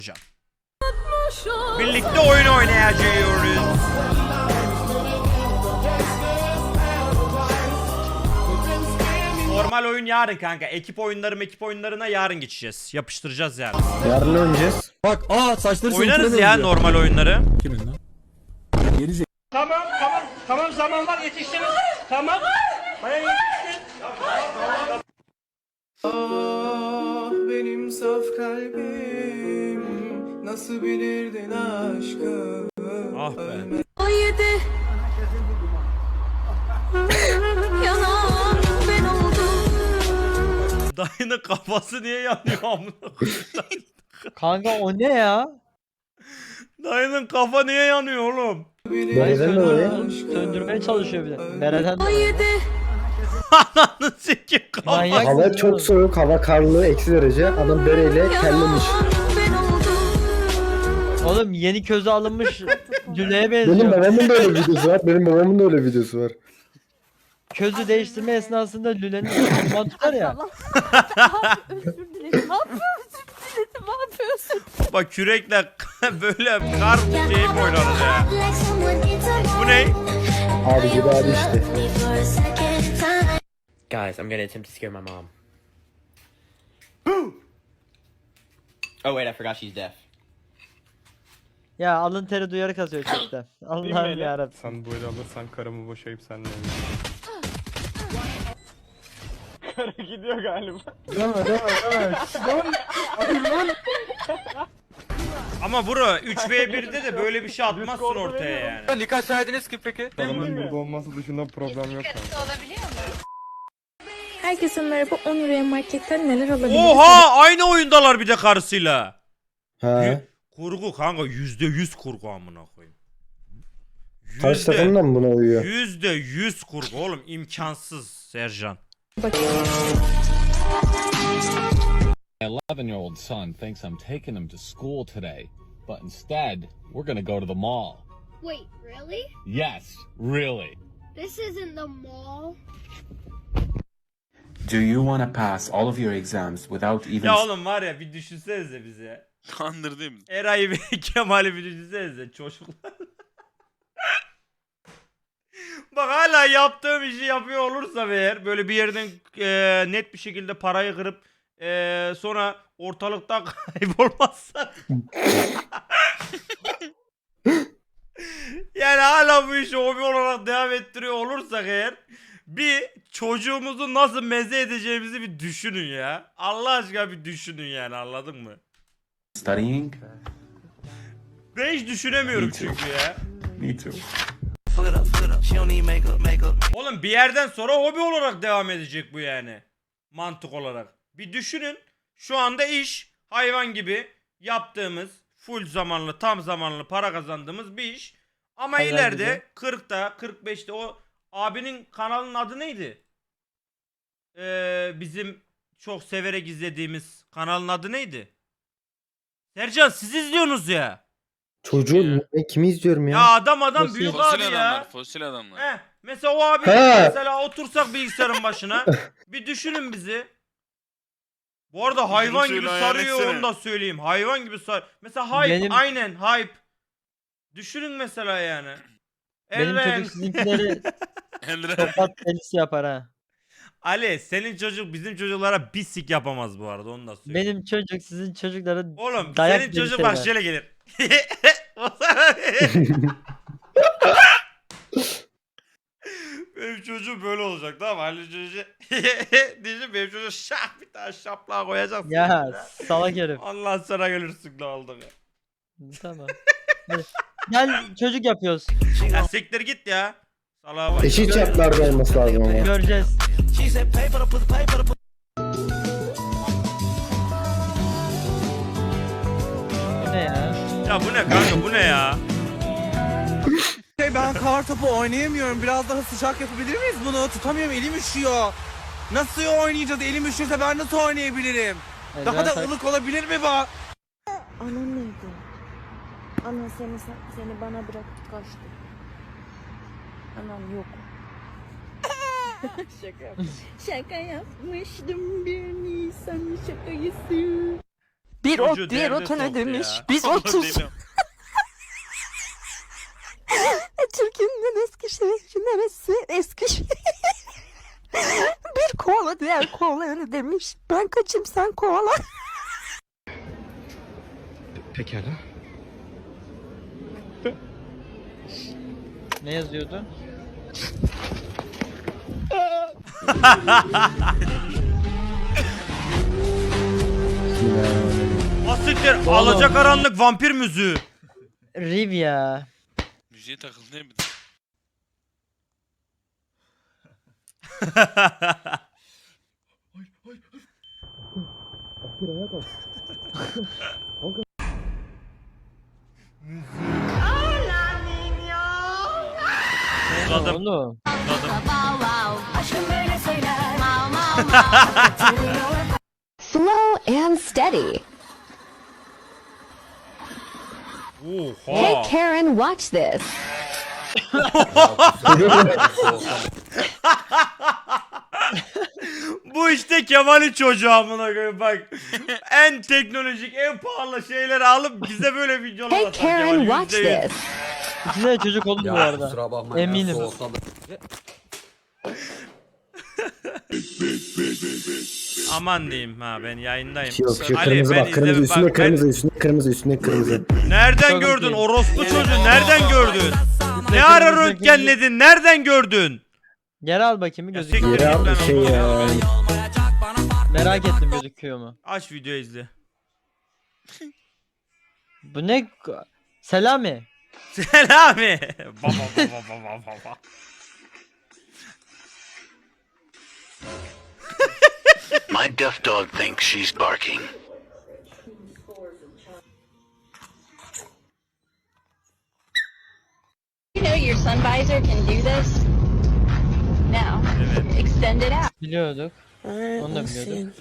Birlikte oyun oynayacağız. Normal oyun yarın kanka. Ekip oyunlarına yarın geçeceğiz. Yapıştıracağız yani. Yarın oynayacağız. Bak saçları Oynarız ya normal oyunları. Kimin lan? Geri Tamam zaman var yetiştiniz. Tamam. Baya yetiştin. Ah benim saf kalbim nasıl bilirdin aşkı? Ah be. Haydi. Yanan ben oldum. Dayının kafası niye yanıyor amına koyayım? Kanka o ne ya? Dayının kafa niye yanıyor oğlum? Nereden dolayı? Söndürmeye çalışıyor bir de. Nereden? Haydi. Ananı sikeyim kafa. Manyak. Hava çok soğuk, hava karlı, eksi derece. Adam bereyle kellemiş. Ben oldum. Oğlum yeni közü alınmış Lüle'ye Benim benziyor. babamın da öyle videosu var. Benim babamın da öyle videosu var. Közü değiştirme esnasında Lüle'nin duman tutar ya. Özür dilerim. Ne yapıyorsun? Ne yapıyorsun? Bak kürekle böyle kar şeyi oynarız ya. Bu ne? Abi gibi abi işte. Guys, I'm gonna attempt to scare my mom. Oh wait, I forgot she's deaf. Ya alın teri duyarı kasıyor chatte. Allah'ım yarabbim. Sen böyle alırsan karımı boşayıp seninle evleneceğim. Kara gidiyor galiba. Ama bro 3v1'de de böyle bir şey atmazsın ortaya yani. Dikkat ediniz ki peki? Adamın burada olması dışında problem yok yani. Herkese merhaba. 10 liraya marketten neler alabiliriz? Oha aynı oyundalar bir de karısıyla. Ha. Kurgu kanka %100 kurgu amına koyayım. Karşı takım da mı buna uyuyor? %100 kurgu oğlum imkansız Sercan. Bakın. My 11-year-old son thinks I'm taking him to school today, but instead, we're gonna go to the mall. Wait, really? Yes, really. This isn't the mall. Do you want to pass all of your exams without even... Ya oğlum var ya bir düşünsenize bize. Kandırdım. Eray'ı ve Kemal'i bir düşünsenize çocuklar. Bak hala yaptığım işi yapıyor olursam eğer böyle bir yerden net bir şekilde parayı kırıp sonra ortalıktan kaybolmazsak yani hala bu işi hobi olarak devam ettiriyor olursak eğer bir çocuğumuzu nasıl meze edeceğimizi bir düşünün ya. Allah aşkına bir düşünün yani anladın mı? Studying? Ben hiç düşünemiyorum Me too. çünkü ya. Me too. Oğlum bir yerden sonra hobi olarak devam edecek bu yani. Mantık olarak. Bir düşünün. Şu anda iş hayvan gibi yaptığımız full zamanlı tam zamanlı para kazandığımız bir iş. Ama Hayvan ileride gibi. 40'ta 45'te o abinin kanalının adı neydi? Bizim çok severek izlediğimiz kanalın adı neydi? Sercan siz izliyorsunuz ya. Çocuğum ben kimi izliyorum ya? Ya adam Fosil- büyük Fosil abi adamlar, ya. fosil adamlar. Heh, mesela o abi He. mesela otursak bilgisayarın başına bir düşünün bizi. Bu arada hayvan şöyle gibi hayal sarıyor etsene. onu da söyleyeyim. Hayvan gibi sar. Mesela hype Benim- aynen hype. Düşünün mesela yani. Benim Elren. çocuk sizinkileri Elre. tokat delisi yapar ha. Ali senin çocuk bizim çocuklara bir sik yapamaz bu arada onu da söyleyeyim. Benim çocuk sizin çocuklara Oğlum dayak senin delisi çocuk bak eder. şöyle gelir. Benim çocuğum böyle olacak tamam mı? Ali çocuğu diyeceğim benim çocuğu şah bir tane şaplığa koyacaksın. Ya salak herif. Allah sana gelirsin ne oldu ya. Tamam. Hadi. Gel çocuk yapıyoruz. Ya siktir git ya. Salaha bak. Eşit şartlarda olması lazım ama. Göreceğiz. Bu ne ya? Ya bu ne kanka bu ne ya? Ben kar topu oynayamıyorum. Biraz daha sıcak yapabilir miyiz bunu? Tutamıyorum, elim üşüyor. Nasıl oynayacağız? Elim üşürse ben nasıl oynayabilirim? Daha da ılık olabilir mi bu? Anan nerede? Anan seni bana bıraktı kaçtı. Anan yok. Şaka yapmıştım bir Nisan şakayısı. Bir Çocuğu ot diğer derde ota ne soktu demiş? ya. Biz Allah otuz. deli. Türkiye'nin eski şehri neresi? Eskişehir. Bir koala diğer koalaya ne demiş? Ben kaçayım sen koala. Pekala. Ne yazıyordu? Asiktir alacakaranlık vampir müziği. Riv ya. Müziğe takıldı ne bileyim. Uzadım. Oğlum. Slow and steady. Oha. Karen, watch this. Bu işte Kemal'in çocuğu amına koyayım bak. En teknolojik, en pahalı şeyleri alıp bize böyle videolar Hey atar Karen, Kemal, watch %100. this. İkisi de çocuk oldu bu arada. Eminim. Aman diyeyim ha ben yayındayım. Yok şu Ali, kırmızı ben bak kırmızı izledim, üstünde bak, kırmızı üstünde kırmızı üstünde kırmızı. Nereden Çok gördün iyi. orospu çocuğu nereden gördün? Ne ara röntgenledin nereden gördün? Geri al bakayım bir Ya gözüküyor. siktir Yere git al lan bir şey oğlum. ya. Merak ettim gözüküyor mu? Aç video izle. Bu ne? Selami. Selami. Baba baba baba baba. My deaf dog thinks she's barking. You know your sun visor can do this. Now, extend it out. Biliyorduk. Onu da biliyorduk.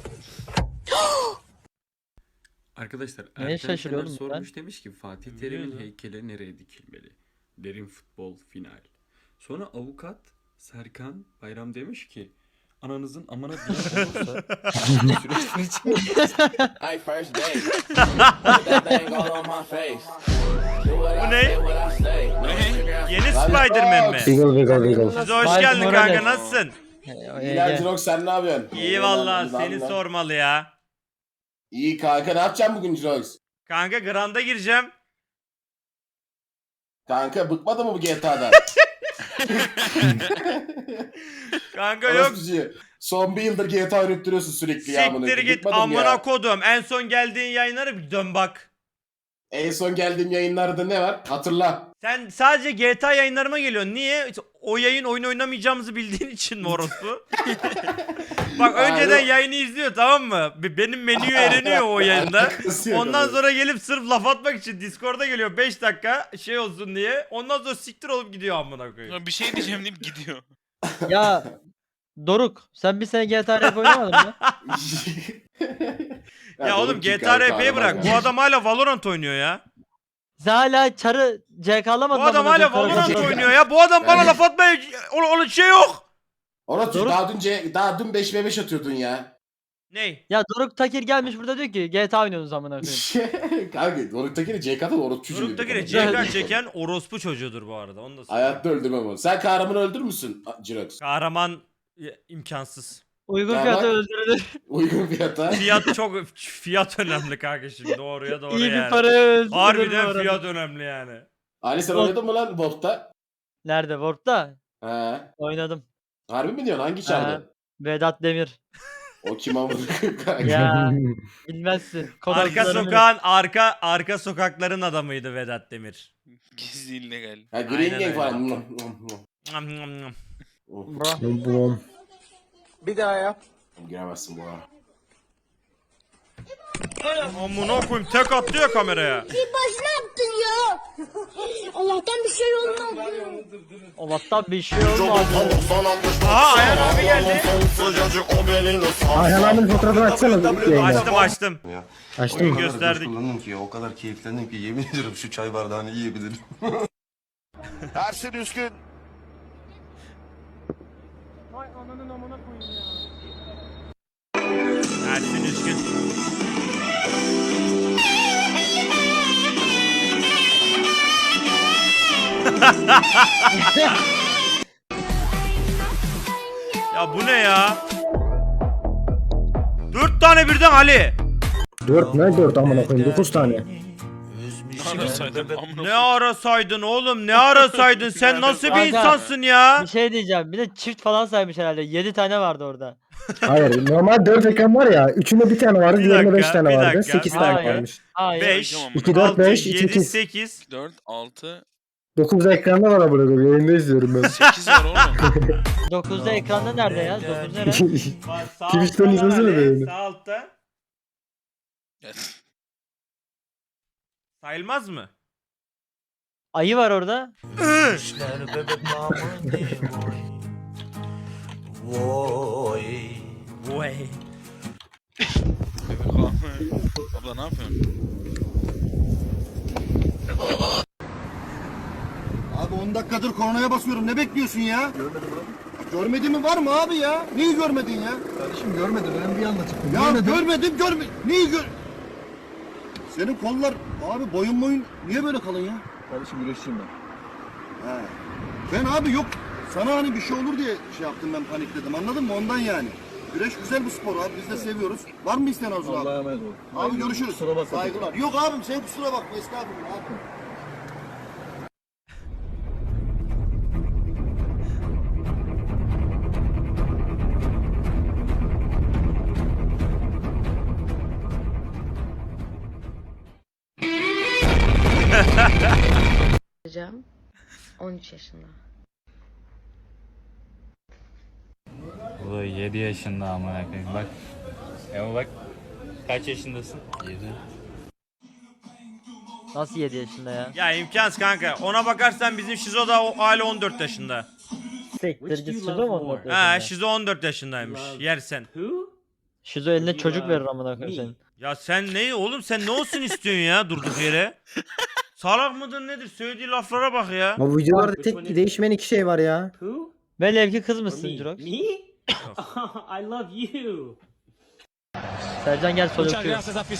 Arkadaşlar Neye Ertem şaşırıyorum Şener ben? sormuş demiş ki Fatih Terim'in heykeli nereye dikilmeli? Derin futbol final. Sonra avukat Serkan Bayram demiş ki ananızın amına diye olursa Hey, first date. Put that thing all on my face. Bu ne? Yeni Spider-Man mi? Wiggle wiggle wiggle. Size hoş Miles geldin Morales. kanka nasılsın? Ege. sen ne yapıyorsun? İyi valla seni sormalı ya. İyi kanka ne yapacaksın bugün Jirox? Kanka Grand'a gireceğim. Kanka bıkmadı mı bu GTA'dan? Kanka yok. Son bir yıldır GTA ürettiriyorsun sürekli ya. Siktir git amına kodum. En son geldiğin yayınlara bir dön bak. En son geldiğim yayınlarda ne var? Hatırla. Sen sadece GTA yayınlarıma geliyorsun. Niye? O yayın oyun oynamayacağımızı bildiğin için mi orospu? Bak önceden Abi. yayını izliyor tamam mı? Benim menüyü öğreniyor o yayında. Ondan sonra gelip sırf laf atmak için Discord'a geliyor 5 dakika şey olsun diye. Ondan sonra siktir olup gidiyor amına koyayım. Ya bir şey diyeceğim deyip gidiyor. Ya Doruk sen bir sene GTA Rap oynamadın mı? Ya oğlum GTA RP'yi bırak. Bu adam hala Valorant oynuyor ya. Sen hala çarı CK'lamadın. Bu adam hala Valorant oynuyor ya. Bu adam bana laf atmaya onun şey yok. Ona Doğru. daha dün 5v5 atıyordun ya. Ney? Ya Doruk Takir gelmiş burada diyor ki GTA oynuyorsunuz amına koyayım. Kanka Doruk'takini CK'da orospu çocuğu. Doruk'takine CK çeken orospu çocuğudur bu arada. Onu da söyleyeyim. Hayatta öldürmem onu. Sen kahramanı öldürür müsün Jirox? Kahraman imkansız. Uygun Ya fiyata bak- öldürülür. Uygun fiyata. Fiyat önemli kanka şimdi doğruya doğru İyi yani. bir paraya öldürülür. bu Harbiden arada. fiyat önemli yani. Ali sen oynadın mı lan Wolf'ta? Nerede? Warp'ta? He. Oynadım. Harbi mi diyorsun? Hangi çarda? Vedat Demir. O kim amına kanka? Ya bilmezsin. Arka sokağın arka sokakların adamıydı Vedat Demir. Gizli illegal. Ha Aynen Green Gang öyle. falan. Nam nam nam. Bro. Bom. Bir daha yap. Giremezsin bu ara. Amına koyayım tek attı ya kameraya. Başına yaptın ya. Allah'tan bir şey olmaz. Allah'tan bir şey olmaz. Aha Ayhan abi geldi. Ayhan abinin fotoğrafını açsana yayında. Açtım. Açtın mı? Gösterdik. ki o kadar keyiflendim ki yemin ediyorum şu çay bardağını yiyebilirim. Ersin Üskün. Ersin Üskün. Ya bu ne ya? 4 tane birden Ali. 4 ne 4 amına koyayım 9 tane. Ne arasaydın amına Ne ara saydın oğlum? Ne ara saydın? Sen nasıl bir Kanka, insansın ya? Bir şey diyeceğim. Bir de çift falan saymış herhalde. 7 tane vardı orada. Hayır normal 4 ekran var ya. Üçünde bir tane vardı, Bir diğerinde 5 dakika, tane bir vardı. dakika. 8 tane Hayır. varmış. Hayır. 5, Tamam, 2, 4, 6, 5, 7, 8. 8. 4, 6, 9 ekranda var amına koyayım. Yayında izliyorum ben. 8 var oğlum. 9'da ekranda nerede ya? 9 nerede? Twitch'ten izlesene beni. Sağ altta. Sayılmaz mı? Ayı var orada. Vay. Abla ne yapıyorsun? Abi 10 dakikadır kornaya basıyorum. Ne bekliyorsun ya? Görmedim abi. Görmedin mi var mı abi ya? Neyi görmedin ya? Kardeşim görmedim. Önemli bir anda çıktım. Ya görmedim. Neyi gör... Senin kollar abi boyun niye böyle kalın ya? Kardeşim güreşçiyim ben. He. Ben abi yok. Sana hani bir şey olur diye şey yaptım, ben panikledim, anladın mı? Ondan yani. Güreş güzel bir spor abi, biz de seviyoruz. Var mı isteyen Arzu abi? Allah'a emanet ol. Abi görüşürüz. Saygılar. Yok abim sen kusura bakma, estağfurullah abi. Hocam 13 yaşında. Bu 7 yaşında amına koyayım bak. Bak. Kaç yaşındasın? 7. Nasıl 7 yaşında ya? Ya imkansız kanka. Ona bakarsan bizim Şizo da hala 14 yaşında. Siktir git Şizo mu 14 Ha, yaşında? Şizo 14 yaşındaymış. Yersen. Şizo eline çocuk verir amına koyayım senin. Ya sen ne oğlum, sen ne olsun istiyorsun ya durduk yere? Salak mıdır nedir? Söylediği laflara bak ya. Bu videolarda tek değişmeyen 2 şey var ya. Velev ki kız mısın Jirox? I love you. Sercan gel sol öpüyor.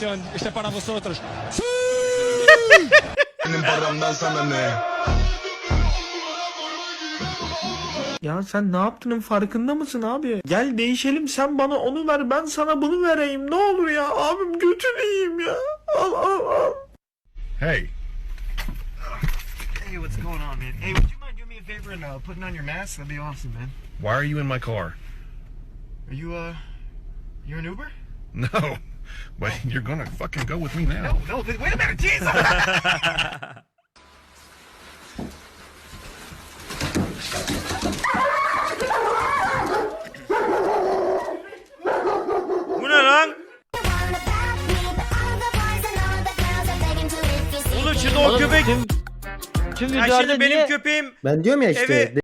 Ya sen ne yaptığının farkında mısın abi? Gel değişelim, sen bana onu ver, ben sana bunu vereyim. Ne olur ya abim, götünü yiyeyim ya. Al. Hey. Hey, what's going on, man? Hey, would you mind doing me a favor and putting on your mask? That'd be awesome, man. Why are you in my car? Are you you an Uber? No. But you're gonna fucking go with me now. No, wait a minute, Jesus! Bu ne lan? Oğlum şimdi o Oğlum, köpek. Tüm Ya videolarda şimdi benim niye... köpeğim Ben diyorum ya işte. Evi-